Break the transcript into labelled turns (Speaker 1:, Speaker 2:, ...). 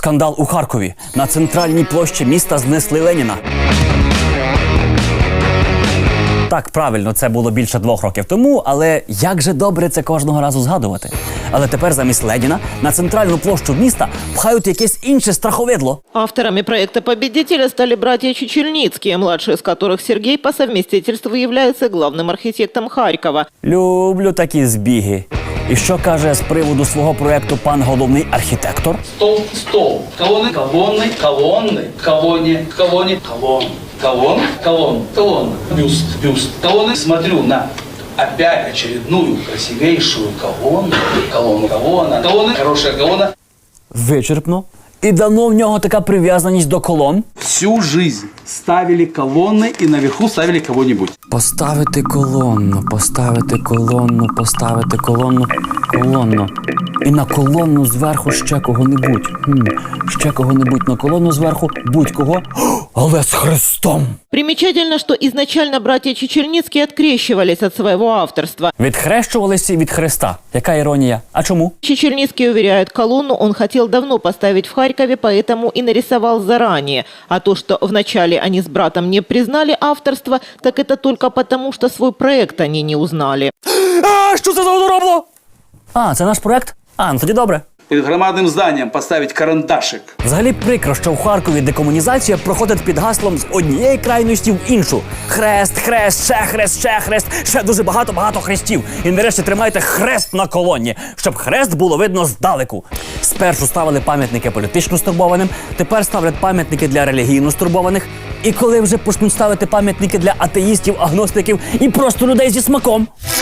Speaker 1: Скандал у Харкові. На центральній площі міста знесли Леніна. Так, правильно, це було більше 2 років тому, але як же добре це кожного разу згадувати. Але тепер замість Леніна на центральну площу міста пхають якесь інше страховидло.
Speaker 2: Авторами проекта «Победителя» стали братья Чечельницкие, младший из которых Сергей по совместительству является главным архитектом Харькова.
Speaker 1: Люблю такі збіги. І що каже з приводу свого проекту пан головний архітектор?
Speaker 3: Стол, стол. Колонны, колонны, колонны, колонне, колонне, колонн. Колонн, колонн, колонн. Бюст, бюст. Колонны. Смотрю на опять очередную красивейшую колонну. Колонна, колонна. Колонны, хорошая колонна.
Speaker 1: Вичерпно. І давно в нього така прив'язаність до колон?
Speaker 3: Всю жизнь ставили колонны и наверху ставили кого-нибудь.
Speaker 1: Поставити колонну, поставити колонну, поставити колонну, колонну. І на колонну зверху ще кого-небудь. Ще кого-небудь на колонну зверху, будь-кого, але з Христом.
Speaker 2: Примечательно, что изначально братья Чечельницкие открещивались от своего авторства.
Speaker 1: Відхрещувалися від Христа. Яка іронія? А чому?
Speaker 2: Чечельницкий уверяет, колонну он хотел давно поставить в Харькове, поэтому и нарисовал заранее. А то, что вначале они с братом не признали авторство, так это только потому, что свой проект они не узнали.
Speaker 1: А, що це за одоробло? А, це наш проект? А, ну тоді добре.
Speaker 3: Перед громадным зданием поставить карандашик.
Speaker 1: Взагалі прикро, що в Харкові декомунізація проходить під гаслом з однієї крайності в іншу. Хрест, хрест, ще хрест, ще дуже багато хрестів. І нарешті тримайте хрест на колоні, щоб хрест було видно здалеку. Спершу ставили пам'ятники політично стурбованим, тепер ставлять пам'ятники для релігійно стурбованих. І коли вже почнуть ставити пам'ятники для атеїстів, агностиків і просто людей зі смаком?